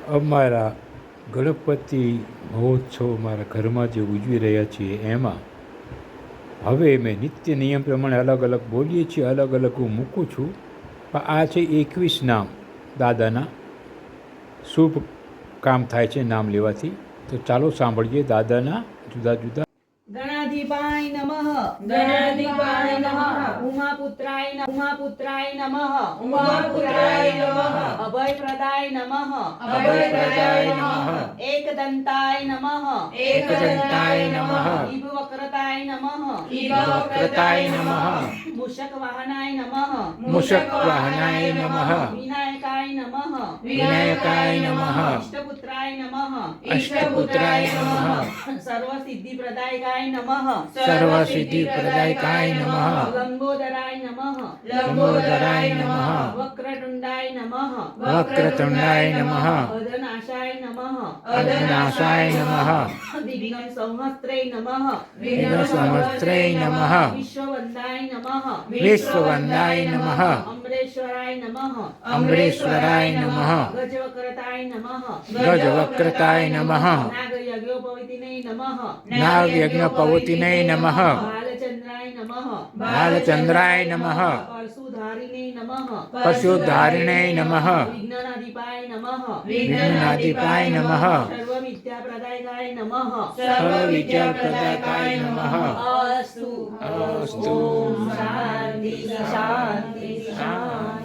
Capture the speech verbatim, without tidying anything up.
અમારા ગણપતિ મહોત્સવ અમારા ઘરમાં જે ઉજવી રહ્યા છીએ એમાં હવે મેં નિત્ય નિયમ પ્રમાણે અલગ અલગ બોલીએ છીએ, અલગ અલગ હું મૂકું છું. પણ આ છે એકવીસ નામ દાદાના. શુભ કામ થાય છે નામ લેવાથી. તો ચાલો સાંભળીએ દાદાના જુદા જુદા. ગણાધિપાય નમઃ. ગણાધિપાય નમઃ. ઉમાપુત્રાય નમઃ. ઉમાપુત્રાય નમઃ. ઉમાપુત્રાય નમઃ. અભયપ્રદાય નમઃ. અભયપ્રદાય નમઃ. એકદંતાય નમઃ. એકદંતાય નમઃ. ઈભવક્રતાય નમઃ. ઈભવક્રતાય નમઃ. મૂષકવાહનાય નમઃ. મૂષકવાહનાય નમઃ. વિનાયકાય નમઃ. વિનાયકાય નમઃ. ઇષ્ટપુત્રાય નમઃ. ઇષ્ટપુત્રાય નમઃ. સર્વસિદ્ધિપ્રદાયકાય નમઃ. સર્વસિદ્ધિપ્રદાયકાય નમઃ. લંબોદરાય નમઃ. લંબોદરાય નમઃ. વક્રતુંડાય નમઃ. વક્રતુંડાય નમઃ. અધનાશાય નમઃ. અધનાશાય નમઃ. વિઘ્ન સંહસ્ત્રે નમઃ. વિઘ્ન સંવત્સરે નમઃ. વિશ્વવંદાય નમઃ. વિશ્વવંદાય નમઃ. અમરેશ્વરાય નમઃ. અમરેશ્વરાય નમઃ. ગજવક્રતાય નમઃ. ગજવક્રતાય નમઃ. નાગયજ્ઞોપવિતિને નમઃ. નાગયજ્ઞપવતિને નમઃ. બાલચંદ્રાય નમઃ. બાલચંદ્રાય નમઃ. પરશુધારિણે નમઃ. પશુધારિણે નમઃ. વિઘ્નનાધિપાય નમઃ. વિઘ્નનાધિપાય નમઃ. સર્વવિદ્યાપ્રદાયકાય નમઃ. સર્વવિદ્યાપ્રદાયકાય નમઃ. અસ્તુ અસ્તુ. ઓમ શાંતિ શાંતિ શાંતિ.